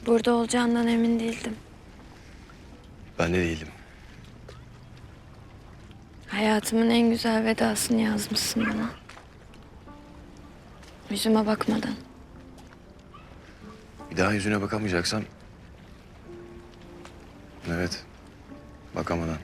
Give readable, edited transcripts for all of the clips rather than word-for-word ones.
Burada olacağından emin değildim. Ben de değilim. Hayatımın en güzel vedasını yazmışsın bana. Yüzüme bakmadan. Bir daha yüzüne bakamayacaksam... Evet, bakamadan.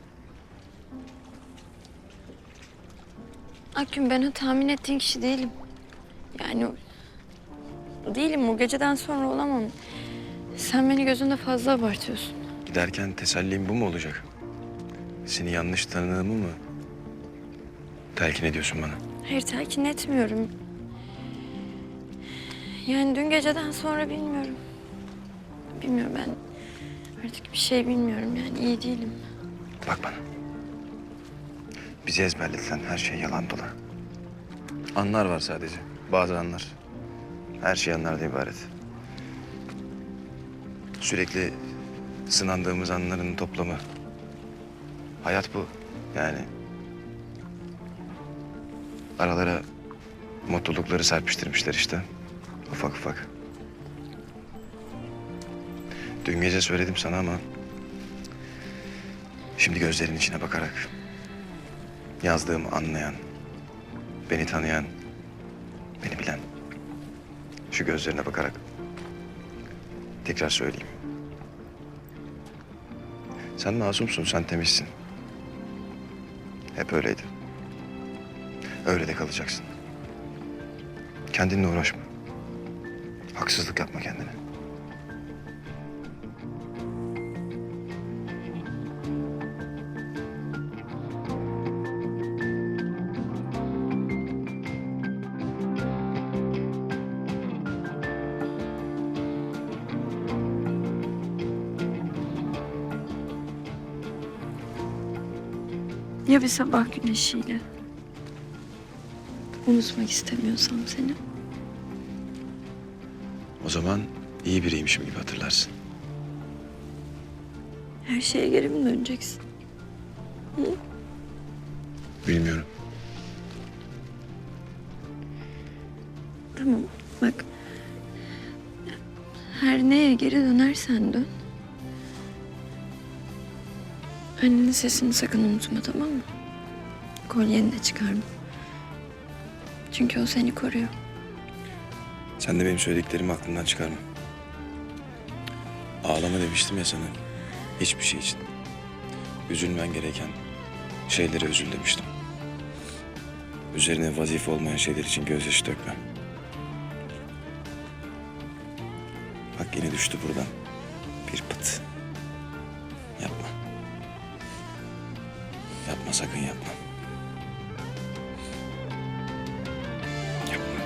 Akgün, ben o tahmin ettiğin kişi değilim. Yani değilim, o geceden sonra olamam. Sen beni gözünde fazla abartıyorsun. Giderken tesellim bu mu olacak? Seni yanlış tanıdığımı mı telkin ediyorsun bana? Hayır, telkin etmiyorum. Yani dün geceden sonra bilmiyorum. Bilmiyorum, ben artık bir şey bilmiyorum, yani iyi değilim. Bak bana. Bizi ezberletilen her şey yalan dolan. Anlar var sadece. Bazı anlar. Her şey anlardan ibaret. Sürekli sınandığımız anların toplamı. Hayat bu. Yani aralara mutlulukları serpiştirmişler işte. Ufak ufak. Dün gece söyledim sana ama... şimdi gözlerinin içine bakarak... yazdığımı anlayan... beni tanıyan... beni bilen... şu gözlerine bakarak... tekrar söyleyeyim. Sen masumsun, sen temizsin. Hep öyleydi. Öyle de kalacaksın. Kendinle uğraşma. Haksızlık yapma kendine. Ya bir sabah güneşiyle? Unutmak istemiyorsam seni. O zaman iyi biriymişim gibi hatırlarsın. Her şeye geri mi döneceksin? Bilmiyorum. Tamam, bak. Her neye geri dönersen dön. Annenin sesini sakın unutma, tamam mı? Kolyeni de çıkarma. Çünkü o seni koruyor. Sen de benim söylediklerimi aklından çıkarma. Ağlama demiştim ya sana. Hiçbir şey için. Üzülmen gereken şeylere üzül demiştim. Üzerine vazife olmayan şeyler için gözyaşı dökme. Bak yine düştü buradan. Bir pıt. Yapma. Yapma, sakın yapma. Yapma.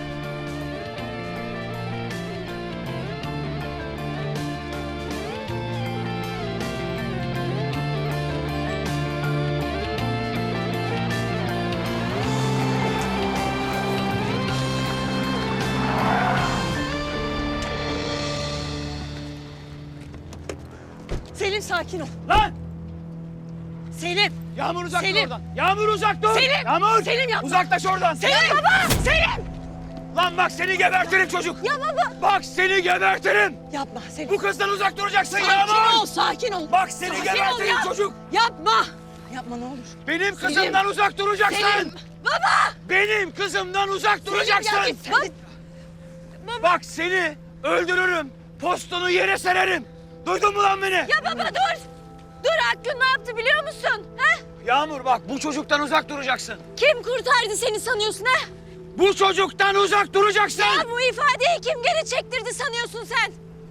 Selim, sakin ol. Lan! Selim! Yağmur uzak dur Selim! oradan. Yağmur uzak dur. Selim! Yağmur! Selim, yapma! Uzaklaş oradan. Selim baba! Selim! Lan bak seni gebertirim çocuk. Ya baba! Bak seni gebertirim. Yapma Selim. Bu kızdan uzak duracaksın Sakin Yağmur. ol, sakin ol. Bak seni Sakin ol gebertirim ya. çocuk. Yapma! Yapma ne olur. Benim Selim! kızımdan uzak duracaksın. Selim! Baba! Benim kızımdan uzak duracaksın. Selim, ya git sen. Bak seni öldürürüm. Postunu yere sererim. Duydun mu lan beni? Ya baba dur! Dur, Akgün ne yaptı biliyor musun? He? Yağmur bak bu çocuktan uzak duracaksın. Kim kurtardı seni sanıyorsun he? Bu çocuktan uzak duracaksın. Ya bu ifadeyi kim geri çektirdi sanıyorsun sen?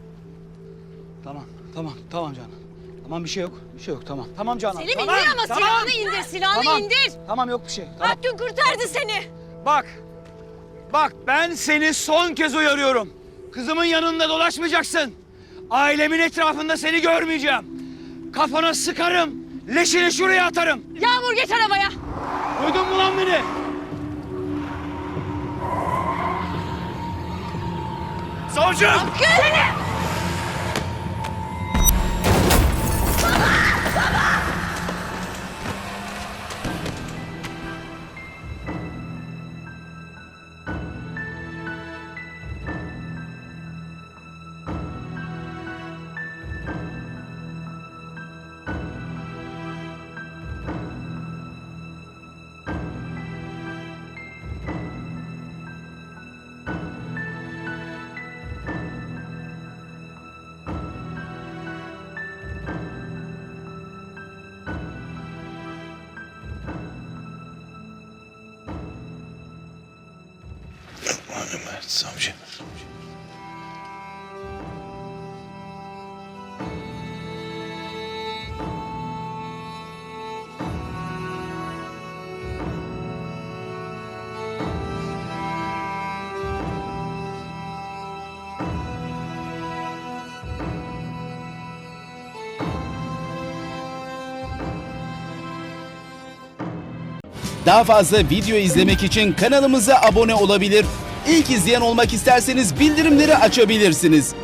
Tamam Canan. Tamam bir şey yok. Bir şey yok tamam. Tamam Canan. Selim Tamam, indir ama tamam. silahını indir, silahını Tamam. indir. Tamam yok bir şey. Tamam. Akgün kurtardı seni. Bak. Bak ben seni son kez uyarıyorum. Kızımın yanında dolaşmayacaksın. Ailemin etrafında seni görmeyeceğim. Kafana sıkarım. Leşini şuraya atarım. Yağmur geç arabaya. Duydun mu lan beni? Savcım! Akgün! Mehmet Savcı. Daha fazla video izlemek için kanalımıza abone olabilir. İlk izleyen olmak isterseniz bildirimleri açabilirsiniz.